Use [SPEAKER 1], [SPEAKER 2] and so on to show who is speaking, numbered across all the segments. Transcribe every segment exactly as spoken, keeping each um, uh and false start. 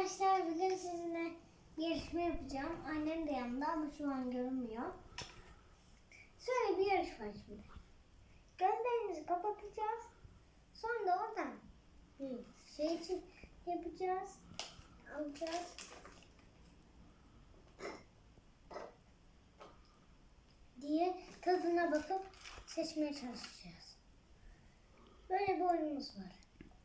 [SPEAKER 1] Arkadaşlar bugün sizinle bir yarışma yapacağım. Annem de yanımda ama şu an görünmüyor. Şöyle bir yarışma şimdi. Gözlerimizi kapatacağız. Sonra da oradan bir şey için yapacağız. Alacağız. Diye tadına bakıp seçmeye çalışacağız. Böyle bir oyunumuz var.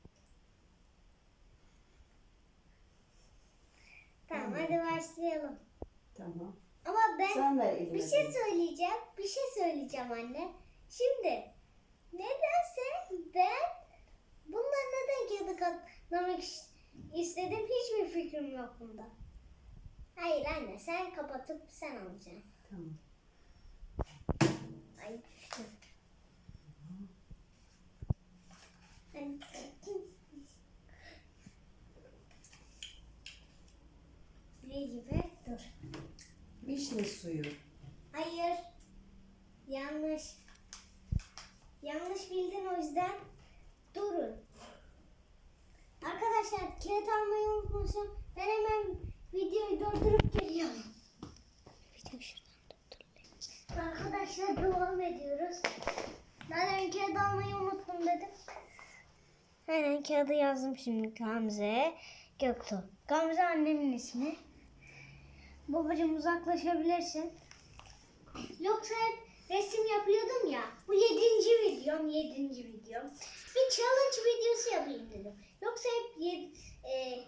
[SPEAKER 1] Tamam, hadi başlayalım.
[SPEAKER 2] Tamam.
[SPEAKER 1] Ama ben
[SPEAKER 2] Sen ver elime
[SPEAKER 1] bir şey
[SPEAKER 2] bir.
[SPEAKER 1] söyleyeceğim. Bir şey söyleyeceğim anne. Şimdi nedense ben bundan neden kağıdı katlamak istedim hiçbir fikrim yok bunda. Hayır anne, sen kapatıp sen alacaksın.
[SPEAKER 2] Tamam.
[SPEAKER 1] Ay düştüm. Ne gibi? Dur.
[SPEAKER 2] Vişne suyu.
[SPEAKER 1] Hayır. Yanlış. Yanlış bildin, o yüzden durun. Arkadaşlar kağıt almayı unutmuşum. Ben hemen videoyu durdurup geliyorum. Video şuradan durdurayım. Arkadaşlar devam ediyoruz. Ben kağıt almayı unuttum dedim. Hemen kağıdı yazdım şimdi. Gamze Göktuğ. Gamze annemin ismi. Babacığım uzaklaşabilirsin. Yoksa hep resim yapıyordum ya. Bu yedinci videom, yedinci videom. Bir challenge videosu yapayım dedim. Yoksa hep yed, e,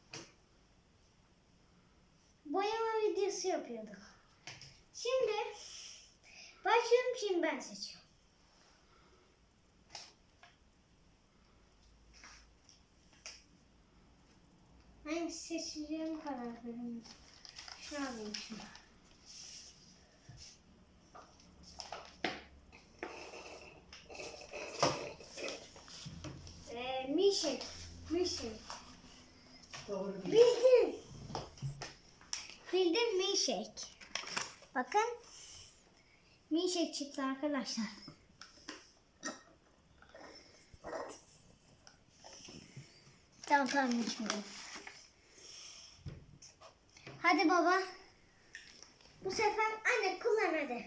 [SPEAKER 1] boyama videosu yapıyorduk. Şimdi başlıyorum, şimdi ben seçiyorum. Hangisi seçeceğim karar verin. Şunu alayım şunu. Ee, Mişek. Mişek.
[SPEAKER 2] Doğru.
[SPEAKER 1] Bildim. Bildim Mişek. Bakın. Mişek çıktı arkadaşlar. Tamam tamam içmiyorum. Hadi baba. Bu sefer anne kullan hadi.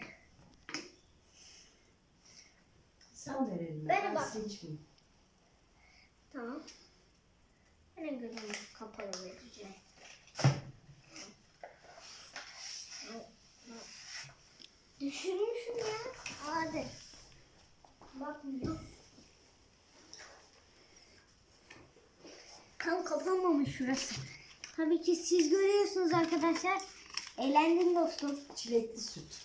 [SPEAKER 2] Sen ver elime.
[SPEAKER 1] Ben
[SPEAKER 2] Ben,
[SPEAKER 1] bak.
[SPEAKER 2] seçmeyeyim.
[SPEAKER 1] Tamam. Benim gözümü kapalı vereceğim. Düşürmüşüm ya. Hadi. Bakmıyor. Tam kapanmamış şurası. Tabii ki siz görüyorsunuz arkadaşlar. Eğlendim dostum.
[SPEAKER 2] Çilekli süt.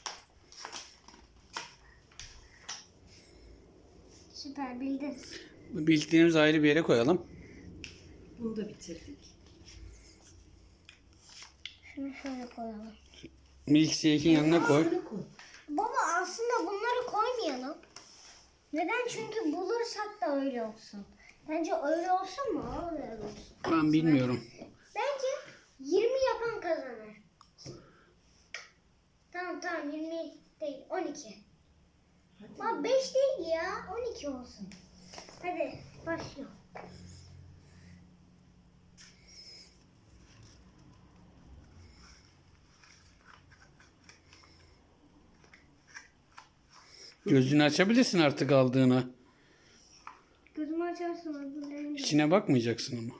[SPEAKER 1] Süper bildin.
[SPEAKER 3] Bildiklerimizi ayrı bir yere koyalım.
[SPEAKER 2] Bunu da bitirdik.
[SPEAKER 1] Şunu şöyle koyalım.
[SPEAKER 3] Milkshake'in yanına koy.
[SPEAKER 2] Bunu koy.
[SPEAKER 1] Baba aslında bunları koymayalım. Neden? Çünkü bulursak da öyle olsun. Bence öyle olsun mu? Öyle olsun.
[SPEAKER 3] Ben bilmiyorum.
[SPEAKER 1] Bence yirmi yapan kazanır. Tamam tamam yirmi değil on iki.
[SPEAKER 2] Hadi.
[SPEAKER 1] Ama beş değil ya, on iki olsun. Hadi başlayalım.
[SPEAKER 3] Gözünü açabilirsin artık aldığına.
[SPEAKER 1] Gözümü açarsın öbürlerini.
[SPEAKER 3] İçine bakmayacaksın ama.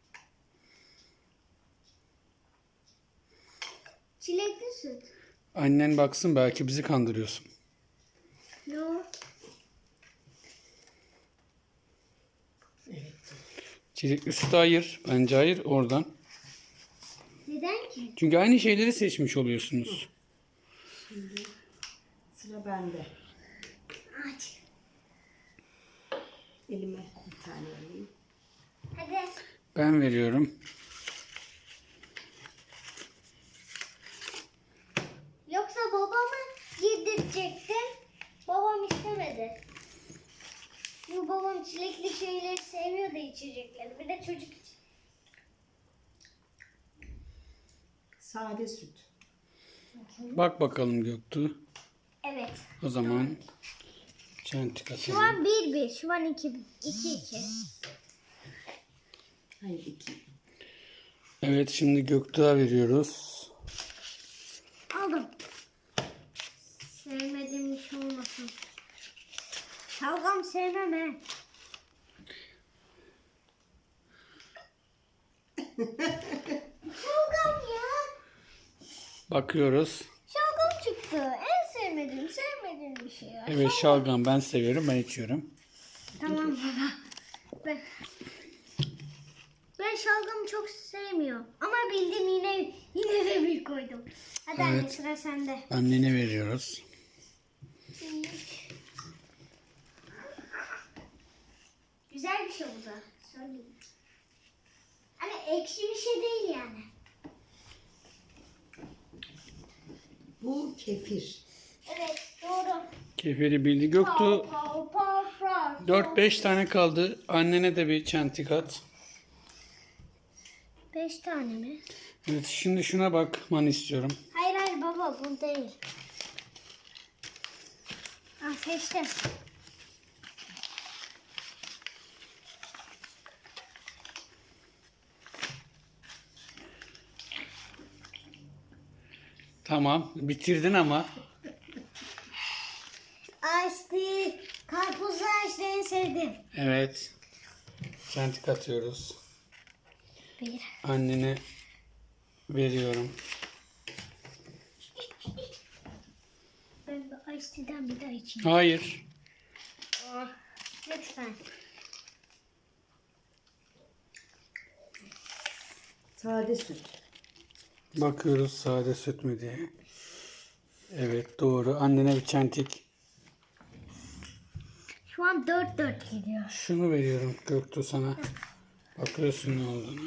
[SPEAKER 1] Çilekli süt.
[SPEAKER 3] Annen baksın, belki bizi kandırıyorsun.
[SPEAKER 1] Yok.
[SPEAKER 2] Evet.
[SPEAKER 3] Çilekli sütü ayır. Bence ayır oradan.
[SPEAKER 1] Neden ki?
[SPEAKER 3] Çünkü aynı şeyleri seçmiş oluyorsunuz.
[SPEAKER 2] Şimdi sıra bende.
[SPEAKER 1] Aç.
[SPEAKER 2] Elime bir tane alayım.
[SPEAKER 1] Hadi.
[SPEAKER 3] Ben veriyorum.
[SPEAKER 1] Yoksa babamı yedirecektim. Babam istemedi. Çünkü babam çilekli şeyleri sevmiyordu, içecekleri. Bir de çocuk için.
[SPEAKER 2] Sade süt.
[SPEAKER 3] Bak bakalım Göktuğ.
[SPEAKER 1] Evet.
[SPEAKER 3] O zaman çentik
[SPEAKER 1] Şu
[SPEAKER 3] atalım.
[SPEAKER 1] an bir bir. Şu an iki iki. iki.
[SPEAKER 2] Hayır iki.
[SPEAKER 3] Evet, şimdi Göktuğ'a veriyoruz.
[SPEAKER 1] Aldım. Sevmediğim bir şey olmasın. Şalgam sevmem he. Şalgam ya.
[SPEAKER 3] Bakıyoruz.
[SPEAKER 1] Şalgam çıktı. En sevmediğim, sevmediğim bir şey ya.
[SPEAKER 3] Evet, şalgam ben seviyorum, ben içiyorum.
[SPEAKER 1] Tamam baba. Ben, ben şalgamı çok sevmiyorum. Ama bildim yine yine de bir koydum. Hadi anne
[SPEAKER 3] Evet.
[SPEAKER 1] sıra sende.
[SPEAKER 3] Annene veriyoruz.
[SPEAKER 1] Güzel bir şey bu da. Söyleyeyim. Hani ekşi bir şey değil yani.
[SPEAKER 2] Bu kefir.
[SPEAKER 1] Evet doğru.
[SPEAKER 3] Kefiri bildi Göktuğ.
[SPEAKER 1] Pav, pav, pav, pav.
[SPEAKER 3] dört beş tane kaldı. Annene de bir çentik at.
[SPEAKER 1] Beş tane mi?
[SPEAKER 3] Evet, şimdi şuna bakmanı istiyorum.
[SPEAKER 1] Hayır hayır baba bu değil. Ah seçtim.
[SPEAKER 3] Tamam, bitirdin ama.
[SPEAKER 1] Ice karpuzlu ice en sevdim.
[SPEAKER 3] Evet. Çentik atıyoruz.
[SPEAKER 1] Bir.
[SPEAKER 3] Annene veriyorum.
[SPEAKER 1] Ben bu ice tea'den bir daha içeyim.
[SPEAKER 3] Hayır.
[SPEAKER 1] Oh, lütfen.
[SPEAKER 2] Sade süt.
[SPEAKER 3] Bakıyoruz sade süt mü diye. Evet, doğru. Annene bir çentik.
[SPEAKER 1] Şu an dört dört gidiyor.
[SPEAKER 3] Şunu veriyorum Göktuğ sana. Bakıyorsun ne olduğunu.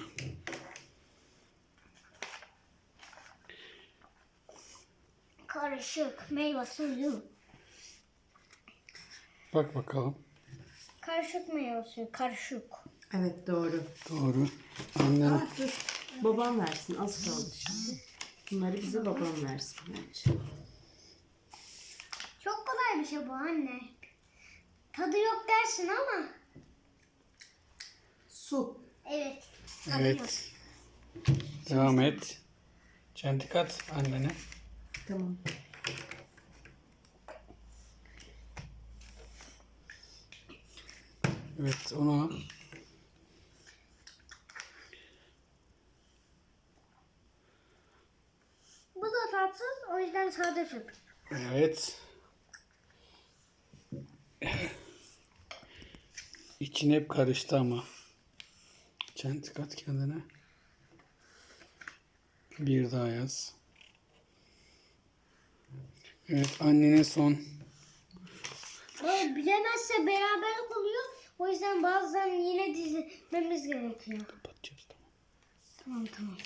[SPEAKER 1] Karışık meyve suyu.
[SPEAKER 3] Bak bakalım.
[SPEAKER 1] Karışık meyve suyu. Karışık.
[SPEAKER 2] Evet doğru.
[SPEAKER 3] Doğru. Annen
[SPEAKER 2] Ah, dur. Babam versin. Az kaldı şimdi. Bunları bize babam versin bence.
[SPEAKER 1] Çok kolay bir şey bu anne. Tadı yok dersin ama.
[SPEAKER 2] Su.
[SPEAKER 1] Evet. Tadı yok.
[SPEAKER 3] evet. Devam et. Çentik at annene.
[SPEAKER 2] Tamam.
[SPEAKER 3] Evet, onu
[SPEAKER 1] Bu da tatsız o yüzden sade süt.
[SPEAKER 3] evet. İçin hep karıştı ama. Çentik at kendine. Bir daha yaz. Evet, annenin son.
[SPEAKER 1] Böyle bilemezse beraberlik oluyor. O yüzden bazen yine dizmemiz gerekiyor.
[SPEAKER 3] Kapatacağız, tamam.
[SPEAKER 1] Tamam tamam.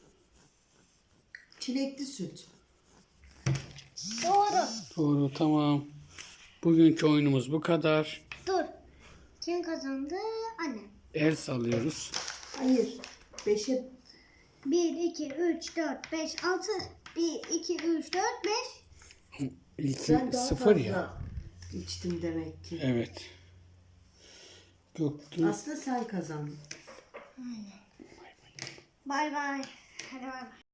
[SPEAKER 2] Çilekli süt.
[SPEAKER 1] Doğru.
[SPEAKER 3] Doğru, tamam. Bugünkü oyunumuz bu kadar.
[SPEAKER 1] Dur. Kim kazandı? Anne.
[SPEAKER 3] El sallıyoruz.
[SPEAKER 2] Hayır. Beşe
[SPEAKER 1] bir, iki, üç, dört, beş, altı. bir, iki, üç, dört, beş.
[SPEAKER 3] İlki
[SPEAKER 2] sen daha
[SPEAKER 3] sıfır
[SPEAKER 2] fazla
[SPEAKER 3] ya.
[SPEAKER 2] içtin demek ki.
[SPEAKER 3] Evet. Göktuğ.
[SPEAKER 2] Aslında sen kazandın.
[SPEAKER 1] Bay bay. Hadi bay bay.